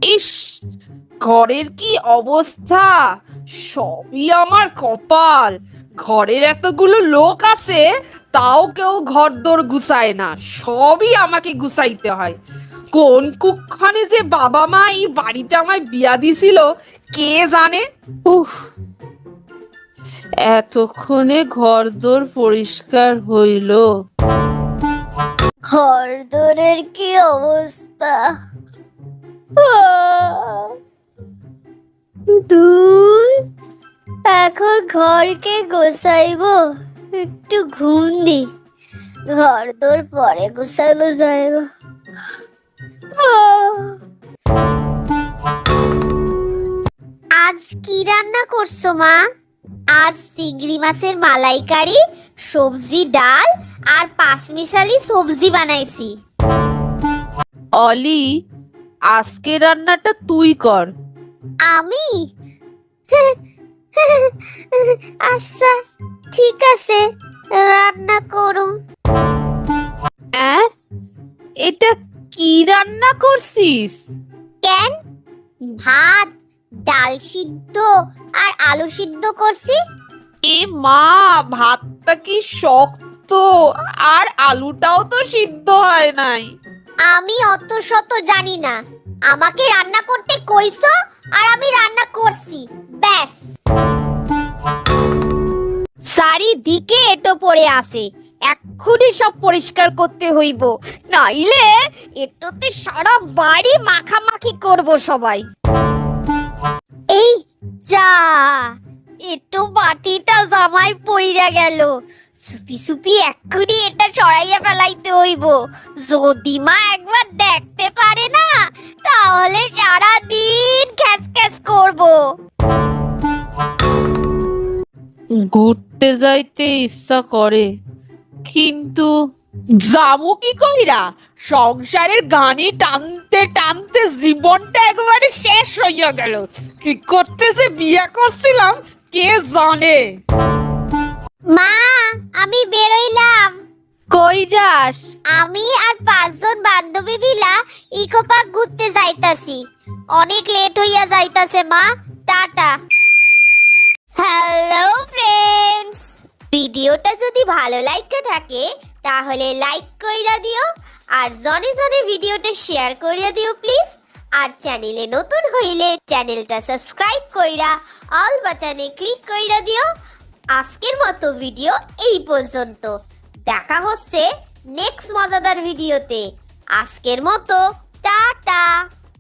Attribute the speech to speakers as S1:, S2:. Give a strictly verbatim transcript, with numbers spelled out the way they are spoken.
S1: ইস, ঘরের কি অবস্থা! সবই আমার কপাল। ঘরের এতগুলো লোক আছে, তাও কেউ ঘরদোর গুছায় না, সবই আমাকে গুছাইতে হয়। কোন কুক্ষণে যে বাবা মা এই বাড়িতে আমায় বিয়া দিছিল, কে জানে। উফ, এতক্ষণে ঘরদোর পরিষ্কার হইল।
S2: ঘরদোরের কি অবস্থা! দূর, এখন ঘরকে গোছাইবো, একটু ঘুম দি, ঘরদোর পরে গোছানো যাইব। আজ কি রান্না করছো মা? আজ চিংড়ি মাছের মালাইকারি, সবজি, ডাল আর পাঁচমিশালি সবজি বানাইছি।
S1: অলি, আজকে রান্নাটা তুই কর।
S2: আমি? আচ্ছা, ঠিক আছে, রান্না করুন।
S1: অ্যাঁ, এটা কি রান্না করছিস?
S2: কেন? ভাত, ডাল সিদ্ধ আর আলু সিদ্ধ করছি।
S1: এ মা, ভাতটা কি শক্ত, আর আলুটাও তো সিদ্ধ হয় নাই।
S2: আমি অত শত জানি না, আমাকে রান্না করতে কইছো আর আমি রান্না করছি, ব্যাস।
S3: চারিদিকে এটো পড়ে আছে, এক্ষুনি সব পরিষ্কার করতে হইব, নাইলে এটোতে সারা বাড়ি মাখামাখি করব সবাই।
S2: এই যা, এটো বাটিটা জামাই পইরা গেল, সুপি সুপি এক্ষুনি এটা সরাইয়া ফেলাইতে হইব। যদি মা একবার দেখতে পারে না, তাহলে সারা দিন খ্যাস খ্যাস করব।
S1: ঘুরতে যাইতে ইচ্ছা করে, কিন্তু যাবো কি কইরা? সংসারের গানি টানতে টানতে জীবনটা একেবারে শেষ হইয়া গেল। কি করতে যে বিয়া করছিলাম, কে জানে।
S2: মা, আমি বেরোইলাম।
S3: কই যাস?
S2: আমি আর পাঁচজন বান্ধবী মিলা ইকো পার্ক ঘুরতে যাইতাছি। অনেক লেট হইয়া যাইতাছে মা, টাটা। হ্যালো ফ্রেন্ডস, ভিডিওটা যদি ভালো লাগতে থাকে তাহলে লাইক কইরা দিও, আর জনে জনে ভিডিওটা শেয়ার কইরা দিও প্লিজ। আর চ্যানেলে নতুন হইলে চ্যানেলটা সাবস্ক্রাইব কইরা অল বাটনে ক্লিক কইরা দিও। আজকের মতো ভিডিও এই পর্যন্ত, দেখা হচ্ছে নেক্সট মজাদার ভিডিওতে। আজকের মতো টাটা।